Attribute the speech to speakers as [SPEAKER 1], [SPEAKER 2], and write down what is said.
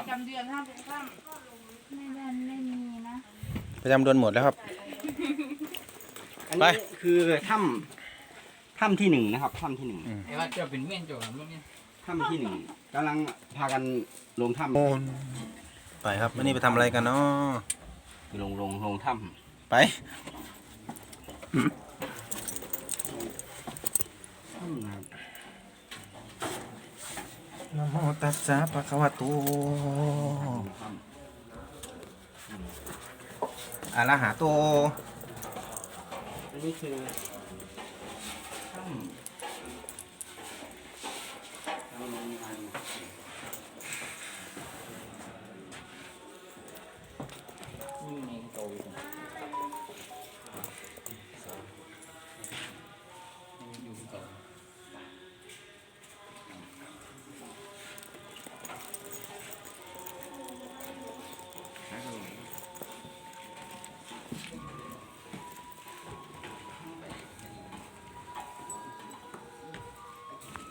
[SPEAKER 1] ประจำเดือนห้ามเป็นข้าม
[SPEAKER 2] ไม่มีนะ
[SPEAKER 3] ประจำเดือนหมดแล้วครับ
[SPEAKER 4] อันนี้คือถ้ำที่หนึ่งนะครับถ้ำที่หนึ่ง
[SPEAKER 5] ไอ้ว่าเจ้าเป็นเม่นเจ้าครับลูกเนี่ย
[SPEAKER 4] ถ้ำที่หนึ่งกำลังพากันลงถ้ำ
[SPEAKER 3] โอนไปครับวันนี้ไปทำอะไรกันเนาะ
[SPEAKER 4] ลงถ้
[SPEAKER 3] ไป
[SPEAKER 4] ำนะครับ
[SPEAKER 3] นะโมตัสสะภะคะวะโตอะระหะโต
[SPEAKER 4] อันนี้คือ